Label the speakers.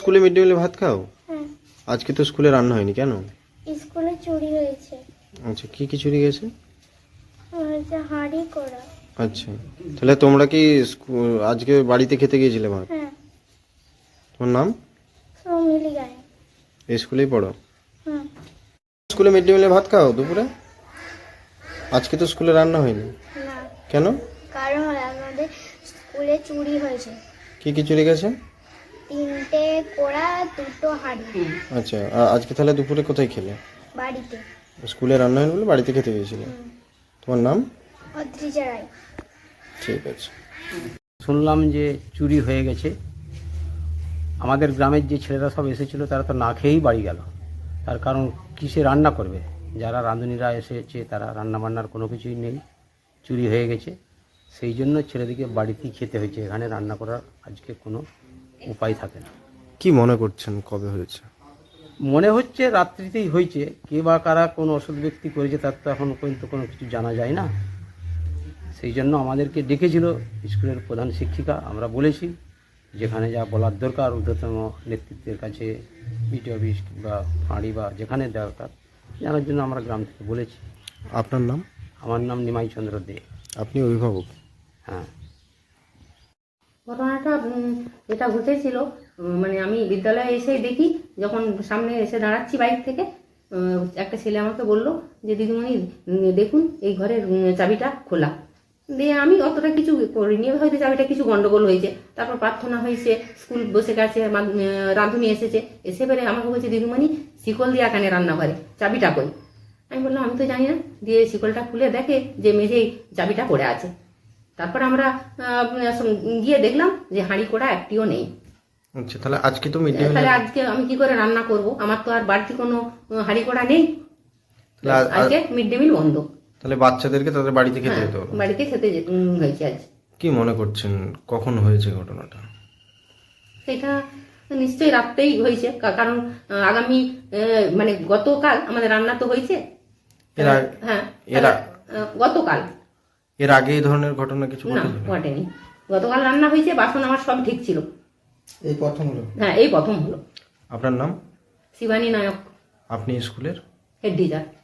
Speaker 1: স্কুলে mid day মিলে ভাত খাও?
Speaker 2: হ্যাঁ,
Speaker 1: আজকে তো স্কুলে রান্না হয়নি কেন?
Speaker 2: স্কুলে চুরি হয়েছে।
Speaker 1: আচ্ছা, কি কি চুরি গেছে?
Speaker 2: হয়েছে হাঁড়ি করা।
Speaker 1: আচ্ছা, তাহলে তোমরা কি আজকে বাড়িতে খেতে গিয়েছিলে ভাত?
Speaker 2: হ্যাঁ,
Speaker 1: তোমার নাম?
Speaker 2: সৌমিলি গায়ে।
Speaker 1: এই স্কুলেই পড়ো?
Speaker 2: হ্যাঁ,
Speaker 1: স্কুলে মিড ডে মিলে ভাত খাও দুপুরে? আজকে তো স্কুলে রান্না হয়নি
Speaker 2: না,
Speaker 1: কেন?
Speaker 2: কারণ আমাদের স্কুলে চুরি হয়েছে।
Speaker 1: কি কি চুরি গেছে?
Speaker 2: 3টে কোড়া, 2টো হাঁড়ি।
Speaker 1: আচ্ছা, আজকে তাহলে দুপুরে কোথায় খেলে?
Speaker 2: বাড়িতে।
Speaker 1: স্কুলে রান্না হয়নি বলে বাড়িতে খেতে গিয়েছিলে? তোমার নাম?
Speaker 2: অদ্রিজা রায়।
Speaker 1: ঠিক আছে।
Speaker 3: শুনলাম যে চুরি হয়ে গেছে। আমাদের গ্রামের যে ছেলেরা সব এসেছিল তারা তো না খেয়েই বাড়ি গেল। তার কারণ কিসে রান্না করবে? যারা রাঁধুনিরা এসেছে তারা রান্না বান্নার কোনো কিছুই নেই, চুরি হয়ে গেছে। সেই জন্য ছেলেদিকে বাড়িতেই খেতে হয়েছে, এখানে রান্না করার আজকে কোনো উপায় থাকে না।
Speaker 1: কি মনে করছেন কবে হয়েছে?
Speaker 3: মনে হচ্ছে রাত্রিতেই হয়েছে। কে বা কারা কোন অসৎ ব্যক্তি করেছে তার তো এখন পর্যন্ত কোনো কিছু জানা যায় না। সেই জন্য আমাদেরকে ডেকেছিল স্কুলের প্রধান শিক্ষিকা। আমরা বলেছি যেখানে যা বলার দরকার ঊর্ধ্বতম নেতৃত্বের কাছে, বিডিও অফিস বা ফাঁড়ি বা যেখানে দরকার জানার জন্য আমরা গ্রাম থেকে বলেছি।
Speaker 1: আপনার নাম?
Speaker 3: আমার নাম নিমাই চন্দ্র দে।
Speaker 1: আপনি অভিভাবক?
Speaker 3: হ্যাঁ।
Speaker 4: ঘটনাটা যেটা ঘটেছিল, মানে আমি বিদ্যালয়ে এসে দেখি, যখন সামনে এসে দাঁড়াচ্ছি বাইক থেকে, একটা ছেলে আমাকে বলল যে দিদিমণি দেখুন এই ঘরের চাবিটা খোলা। দিয়ে আমি অতটা কিছু করিনি, হয়তো চাবিটা কিছু গন্ডগোল হয়েছে। তারপর প্রার্থনা হয়েছে, স্কুল বসে গেছে, রাঁধুনি এসেছে, এসে বেড়ে আমাকে বলছে দিদিমণি শিকল দিয়ে এখানে রান্নাঘরে চাবিটা কই। আমি বললাম আমি তো জানি না। দিয়ে শিকলটা খুলে দেখে যে মেঝেই চাবিটা পড়ে আছে। তারপর আমরা গিয়ে দেখলাম যে হাঁড়ি কোড়া একটিও নেই।
Speaker 1: আচ্ছা, তাহলে আজকে তো মিড ডে মিল,
Speaker 4: তাহলে আজকে আমি কি করে রান্না করব? আমার তো আর বাড়তি কোনো হাঁড়ি কোড়া নেই। আজকে মিড ডে মিল বন্ধ।
Speaker 1: তাহলে বাচ্চাদেরকে তাদের বাড়িতে খেতে
Speaker 4: হ্যাঁ,
Speaker 1: যেতে হলো।
Speaker 4: বাড়িতে খেতে হয়েছে আজ।
Speaker 1: কি মনে করছেন কখন হয়েছে ঘটনাটা?
Speaker 4: সেটা নিশ্চয়ই রাত্রেই হয়েছে, কারণ আগামী মানে গতকাল আমাদের রান্না তো হয়েছে। হ্যাঁ, গতকাল।
Speaker 1: এর আগে এই ধরনের ঘটনা কিছু
Speaker 4: না, ঘটেনি। গতকাল রান্না হয়েছে, বাসন আমার সব ঠিক ছিল।
Speaker 1: এই প্রথম হলো?
Speaker 4: হ্যাঁ, এই প্রথম হলো।
Speaker 1: আপনার নাম?
Speaker 4: শিবানী নায়ক,
Speaker 1: আপনি স্কুলের
Speaker 4: হেড টিচার।